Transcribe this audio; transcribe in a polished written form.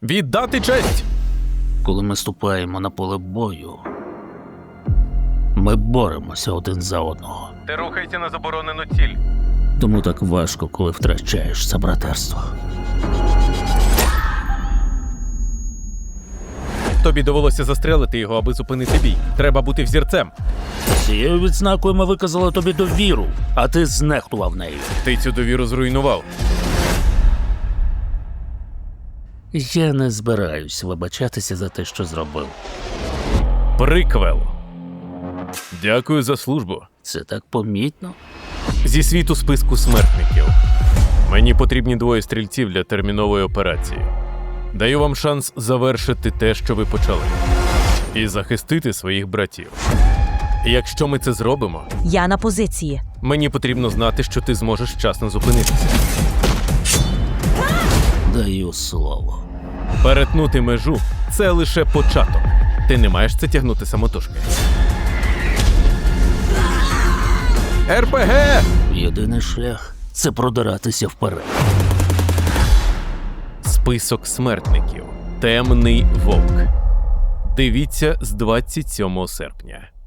Віддати честь! Коли ми ступаємо на поле бою, ми боремося один за одного. Ти рухайся на заборонену ціль. Тому так важко, коли втрачаєш це братерство. Тобі довелося застрелити його, аби зупинити бій. Треба бути взірцем. Цією відзнакою ми виказали тобі довіру, а ти знехтував нею. Ти цю довіру зруйнував. Я не збираюсь вибачатися за те, що зробив. Приквел. Дякую за службу. Це так помітно. Зі світу списку смертників. Мені потрібні 2 стрільців для термінової операції. Даю вам шанс завершити те, що ви почали. І захистити своїх братів. І якщо ми це зробимо, Я на позиції. мені потрібно знати, що ти зможеш вчасно зупинитися. Даю слово. Перетнути межу – це лише початок. Ти не маєш це тягнути самотужки. РПГ! Єдиний шлях – це продиратися вперед. Список смертників. Темний вовк. Дивіться з 27 серпня.